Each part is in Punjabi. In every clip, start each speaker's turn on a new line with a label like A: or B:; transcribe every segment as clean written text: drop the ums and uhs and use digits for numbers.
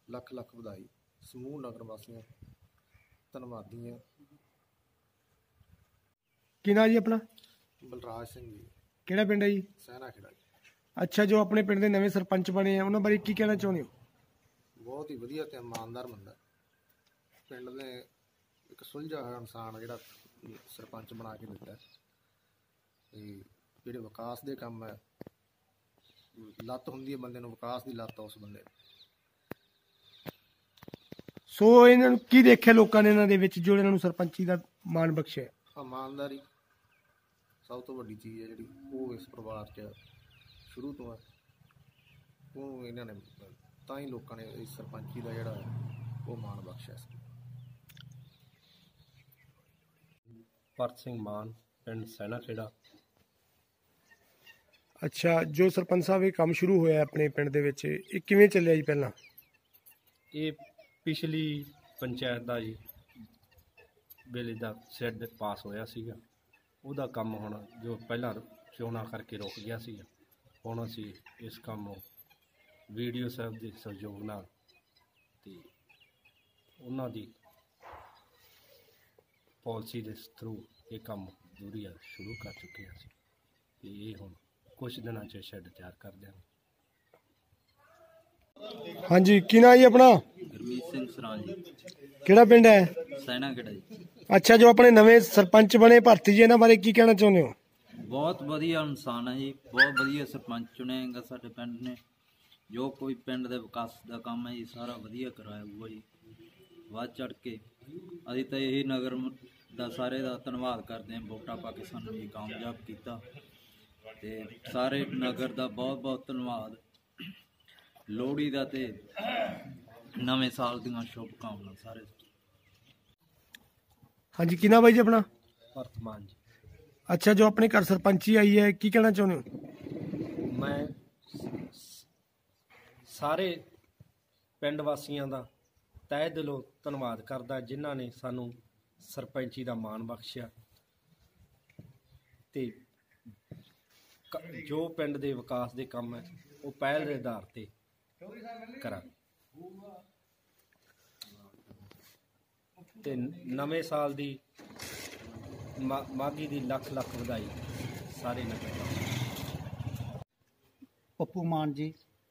A: ਲੱਖ ਲੱਖ ਵਧਾਈ। ਸਮੂਹ ਨਗਰ ਵਾਸੀਆਂ ਧੰਨਵਾਦੀ ਹਾਂ।
B: ਕੀ ਨਾਂ ਜੀ ਆਪਣਾ?
A: ਬਲਰਾਜ ਸਿੰਘ ਜੀ,
B: ਕਿਹੜਾ ਪਿੰਡ ਹੈ ਜੀ?
A: ਸੈਨਾ ਖੇੜਾ ਜੀ।
B: ਅੱਛਾ, ਜੋ ਆਪਣੇ ਪਿੰਡ ਦੇ ਨਵੇਂ ਸਰਪੰਚ ਬਣੇ ਆ ਉਹਨਾਂ ਬਾਰੇ ਕੀ ਕਹਿਣਾ ਚਾਹੁੰਦੇ ਹੋ?
A: ਬਹੁਤ ਹੀ ਵਧੀਆ ਤੇ ਇਮਾਨਦਾਰ ਬੰਦਾ। ਪਿੰਡ ਨੇ ਇੱਕ ਸੁਲਝਿਆ ਹੋਇਆ ਇਨਸਾਨ ਜਿਹੜਾ ਸਰਪੰਚ ਬਣਾ ਕੇ ਦਿੱਤਾ। ਤੇ ਜਿਹੜੇ ਵਿਕਾਸ ਦੇ ਕੰਮ ਹੈ, ਲੱਤ ਹੁੰਦੀ ਹੈ ਬੰਦੇ ਨੂੰ, ਵਿਕਾਸ ਦੀ ਲੱਤ ਉਸ ਬੰਦੇ ਨੂੰ।
B: ਸੋ ਇਹਨਾਂ ਨੂੰ ਕੀ ਦੇਖਿਆ ਲੋਕਾਂ ਨੇ ਇਹਨਾਂ ਦੇ ਵਿੱਚ ਜੋ ਇਹਨਾਂ ਨੂੰ ਸਰਪੰਚੀ ਦਾ ਮਾਣ ਬਖਸ਼ਿਆ?
A: ਇਮਾਨਦਾਰੀ ਸਭ ਤੋਂ ਵੱਡੀ ਚੀਜ਼ ਹੈ ਜਿਹੜੀ ਉਹ ਇਸ ਪਰਿਵਾਰ 'ਚ ਸ਼ੁਰੂ ਤੋਂ ਹੈ। ਉਹ ਇਹਨਾਂ ਨੇ ਤਾਂ ਹੀ ਲੋਕਾਂ ਨੇ ਇਸ ਸਰਪੰਚੀ ਦਾ ਜਿਹੜਾ ਉਹ ਮਾਣ ਬਖਸ਼ਿਆ ਸੀ।
C: ਭਰਤ ਸਿੰਘ ਮਾਨ, ਪਿੰਡ ਸੈਨਾ ਖੇੜਾ।
B: ਅੱਛਾ, ਜੋ ਸਰਪੰਚ ਸਾਹਿਬ ਇਹ ਕੰਮ ਸ਼ੁਰੂ ਹੋਇਆ ਆਪਣੇ ਪਿੰਡ ਦੇ ਵਿੱਚ, ਇਹ ਕਿਵੇਂ ਚੱਲਿਆ ਜੀ? ਪਹਿਲਾਂ
C: ਇਹ ਪਿਛਲੀ ਪੰਚਾਇਤ ਦਾ ਜੀ ਵੇਲੇ ਦਾ ਸਿਰ ਪਾਸ ਹੋਇਆ ਸੀਗਾ। ਉਹਦਾ ਕੰਮ ਹੁਣ ਜੋ ਪਹਿਲਾਂ ਚੋਣਾਂ ਕਰਕੇ ਰੁਕ ਗਿਆ ਸੀ, ਹੁਣ ਅਸੀਂ ਇਸ ਕੰਮ ਨੂੰ ਵੀਡੀਓ ਸਾਹਿਬ ਦੇ ਸਹਿਯੋਗ ਨਾਲ ਤੇ ਉਹਨਾਂ ਦੀ ਪਾਲਿਸੀ ਦੇ ਥਰੂ ਇਹ ਕੰਮ ਦੂਰੀਆ ਸ਼ੁਰੂ ਕਰ ਚੁੱਕੇ ਹਾਂ ਅਸੀਂ ਤੇ ਇਹ ਹੁਣ ਕੁਝ ਦਿਨਾਂ 'ਚ ਸ਼ੈੱਡ ਤਿਆਰ ਕਰ ਦਿਆਂਗੇ।
B: ਹਾਂਜੀ, ਕੀ ਨਾਂ ਜੀ ਆਪਣਾ?
D: ਗੁਰਮੀਤ ਸਿੰਘ ਸਰਾਂ ਜੀ,
B: ਕਿਹੜਾ ਪਿੰਡ ਹੈ?
D: ਸੈਨਾ ਖੇੜਾ ਜੀ।
B: ਅੱਛਾ, ਜੋ ਆਪਣੇ ਨਵੇਂ ਸਰਪੰਚ ਬਣੇ ਭਰਤੀ ਜੀ, ਇਹਨਾਂ ਬਾਰੇ ਕੀ ਕਹਿਣਾ ਚਾਹੁੰਦੇ ਹੋ?
D: ਬਹੁਤ ਵਧੀਆ ਇਨਸਾਨ ਹੈ ਜੀ, ਬਹੁਤ ਵਧੀਆ ਸਰਪੰਚ ਚੁਣਿਆਗਾ ਸਾਡੇ ਪਿੰਡ ਨੇ। ਜੋ ਕੋਈ ਪਿੰਡ ਦੇ ਵਿਕਾਸ ਦਾ ਕੰਮ ਹੈ ਜੀ ਸਾਰਾ ਵਧੀਆ ਕਰਾਇਆ ਜੀ। ਵੱਧ ਚੜ ਕੇ ਅਸੀਂ ਤਾਂ ਇਹੀ ਨਗਰ ਦਾ ਸਾਰੇ ਦਾ ਧੰਨਵਾਦ ਕਰਦੇ ਹਾਂ, ਵੋਟਾਂ ਪਾ ਕੇ ਸਾਨੂੰ ਜੀ ਕਾਮਯਾਬ ਕੀਤਾ ਤੇ ਸਾਰੇ ਨਗਰ ਦਾ ਬਹੁਤ ਬਹੁਤ ਧੰਨਵਾਦ। ਲੋਹੜੀ ਦਾ ਤੇ ਨਵੇਂ ਸਾਲ ਦੀਆਂ ਸ਼ੁਭ ਕਾਮਨਾ ਸਾਰੇ।
B: ਹਾਂਜੀ, ਕੀ ਨਾਂ ਬਾਈ ਜੀ ਆਪਣਾ?
C: ਭਰਤ ਮਾਨ ਜੀ।
B: ਅੱਛਾ, ਜੋ ਆਪਣੇ ਘਰ ਸਰਪੰਚੀ ਆਈ ਹੈ ਕੀ ਕਹਿਣਾ ਚਾਹੁੰਦੇ ਹੋ?
C: ਮੈਂ ਸਾਰੇ ਪਿੰਡ ਵਾਸੀਆਂ ਦਾ ਤਹਿ ਦਿਲੋਂ ਧੰਨਵਾਦ ਕਰਦਾ ਜਿਨ੍ਹਾਂ ਨੇ ਸਾਨੂੰ ਸਰਪੰਚੀ ਦਾ ਮਾਣ ਬਖਸ਼ਿਆ ਤੇ ਜੋ ਪਿੰਡ ਦੇ ਵਿਕਾਸ ਦੇ ਕੰਮ ਹੈ ਉਹ ਪਹਿਲ ਦੇ ਆਧਾਰ ਤੇ ਕਰਾਂ ਤੇ ਨਵੇਂ ਸਾਲ ਦੀ ਮਾਘੀ ਦੀ ਲੱਖ ਲੱਖ ਵਧਾਈ ਸਾਰੇ ਨਗਰ ਵਾਸੀਆਂ।
E: ਪੱਪੂ ਮਾਨ ਜੀ,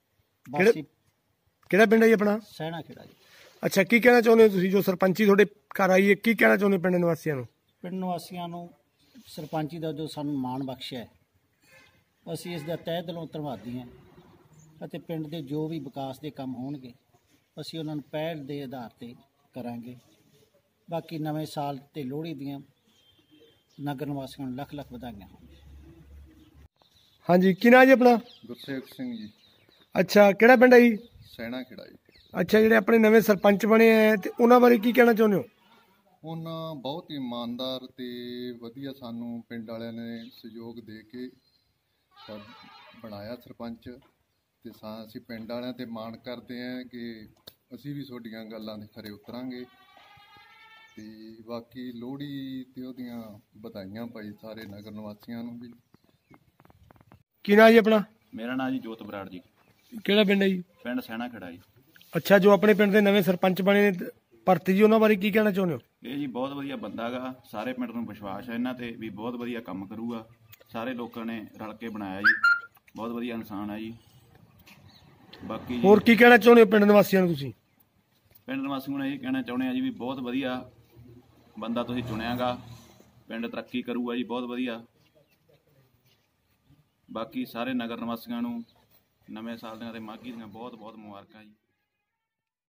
B: ਕਿਹੜਾ ਪਿੰਡ ਹੈ ਜੀ ਆਪਣਾ?
E: ਸੈਨਾ ਖੇੜਾ ਜੀ।
B: ਅੱਛਾ, ਕੀ ਕਹਿਣਾ ਚਾਹੁੰਦੇ ਹੋ ਤੁਸੀਂ ਜੋ ਸਰਪੰਚੀ ਤੁਹਾਡੇ ਘਰ ਆਈ ਹੈ, ਕੀ ਕਹਿਣਾ ਚਾਹੁੰਦੇ ਪਿੰਡ ਨਿਵਾਸੀਆਂ ਨੂੰ?
E: ਪਿੰਡ ਨਿਵਾਸੀਆਂ ਨੂੰ ਸਰਪੰਚੀ ਦਾ ਜੋ ਸਾਨੂੰ ਮਾਣ ਬਖਸ਼ਿਆ ਹੈ, ਅਸੀਂ ਇਸ ਦਾ ਤਹਿ ਦਿਲੋਂ ਧੰਨਵਾਦੀ ਹਾਂ ਅਤੇ ਪਿੰਡ ਦੇ ਜੋ ਵੀ ਵਿਕਾਸ ਦੇ ਕੰਮ ਹੋਣਗੇ ਅਸੀਂ ਉਹਨਾਂ ਨੂੰ ਪਹਿਲ ਦੇ ਆਧਾਰ ਤੇ ਕਰਾਂਗੇ। ਬਾਕੀ ਨਵੇਂ ਸਾਲ ਤੇ ਲੋਹੜੀ ਦੀਆਂ ਨਗਰ ਨਿਵਾਸੀਆਂ ਨੂੰ ਲੱਖ ਲੱਖ ਵਧਾਈਆਂ ਹੋਣ।
B: ਹਾਂਜੀ, ਕੀ ਨਾਂ ਜੀ ਆਪਣਾ?
F: ਗੁਰਸੇਵਕ ਸਿੰਘ ਜੀ।
B: ਅੱਛਾ, ਕਿਹੜਾ ਪਿੰਡ ਹੈ ਜੀ?
F: ਸੈਨਾ ਖੇੜਾ ਜੀ।
B: ਅੱਛਾ, ਜਿਹੜੇ ਆਪਣੇ ਨਵੇਂ ਸਰਪੰਚ ਬਣੇ ਆ ਤੇ ਉਹਨਾਂ ਬਾਰੇ ਕੀ ਕਹਿਣਾ ਚਾਹੁੰਦੇ ਹੋ?
F: ਉਹਨਾਂ ਬਹੁਤ ਹੀ ਇਮਾਨਦਾਰ ਤੇ ਵਧੀਆ ਸਾਨੂੰ ਪਿੰਡ ਵਾਲਿਆਂ ਨੇ ਸਹਿਯੋਗ ਦੇ ਕੇ ਬਣਾਇਆ ਸਰਪੰਚ ਤੇ ਅਸੀਂ ਪਿੰਡ ਵਾਲਿਆਂ ਤੇ ਮਾਣ ਕਰਦੇ ਹਾਂ ਕਿ ਅਸੀਂ ਵੀ ਤੁਹਾਡੀਆਂ ਗੱਲਾਂ ਦੇ ਖਰੇ ਉਤਰਾਂਗੇ ਤੇ ਬਾਕੀ ਲੋਹੜੀ ਤੇ ਉਹਦੀਆਂ ਵਧਾਈਆਂ ਭਾਈ ਸਾਰੇ ਨਗਰ ਨਿਵਾਸੀਆਂ ਨੂੰ ਵੀ।
B: ਕੀ ਨਾਂ ਜੀ ਆਪਣਾ?
G: ਮੇਰਾ ਨਾਂ ਜੀ ਜੋਤ ਬਰਾੜ ਜੀ।
B: ਕਿਹੜਾ ਪਿੰਡ ਹੈ ਜੀ?
G: ਪਿੰਡ ਸੈਨਾ ਖੇੜਾ ਜੀ।
B: ਅੱਛਾ, ਜੋ ਆਪਣੇ ਪਿੰਡ ਦੇ ਨਵੇਂ ਸਰਪੰਚ ਬਣੇ ਨੇ ਭਰਤੀ ਜੀ, ਉਹਨਾਂ ਬਾਰੇ ਕੀ ਕਹਿਣਾ ਚਾਹੁੰਦੇ ਹੋ?
G: ਇਹ ਜੀ ਬਹੁਤ ਵਧੀਆ ਬੰਦਾ ਗਾ, ਸਾਰੇ ਪਿੰਡ ਨੂੰ ਵਿਸ਼ਵਾਸ ਹੈ ਇਹਨਾਂ ਤੇ ਵੀ ਬਹੁਤ ਵਧੀਆ ਕੰਮ ਕਰੂਗਾ। ਸਾਰੇ ਲੋਕਾਂ ਨੇ ਰਲ ਕੇ ਬਣਾਇਆ ਜੀ, ਬਹੁਤ ਵਧੀਆ ਇਨਸਾਨ ਹੈ ਜੀ। ਬਾਕੀ
B: ਹੋਰ ਕੀ ਕਹਿਣਾ ਚਾਹੁੰਦੇ ਹੋ ਪਿੰਡ ਨਿਵਾਸੀਆਂ ਨੂੰ ਤੁਸੀਂ?
G: ਪਿੰਡ ਨਿਵਾਸੀਆਂ ਨੂੰ ਇਹ ਕਹਿਣਾ ਚਾਹੁੰਦੇ ਆ ਜੀ ਵੀ ਬਹੁਤ ਵਧੀਆ ਬੰਦਾ ਤੁਸੀਂ ਚੁਣਿਆਗਾ, ਪਿੰਡ ਤਰੱਕੀ ਕਰੂਗਾ ਜੀ ਬਹੁਤ ਵਧੀਆ। ਬਾਕੀ ਸਾਰੇ ਨਗਰ ਨਿਵਾਸੀਆਂ ਨੂੰ ਨਵੇਂ ਸਾਲ ਦੀਆਂ ਤੇ ਮਾਘੀ ਦੀਆਂ ਬਹੁਤ ਬਹੁਤ ਮੁਬਾਰਕਾਂ ਜੀ।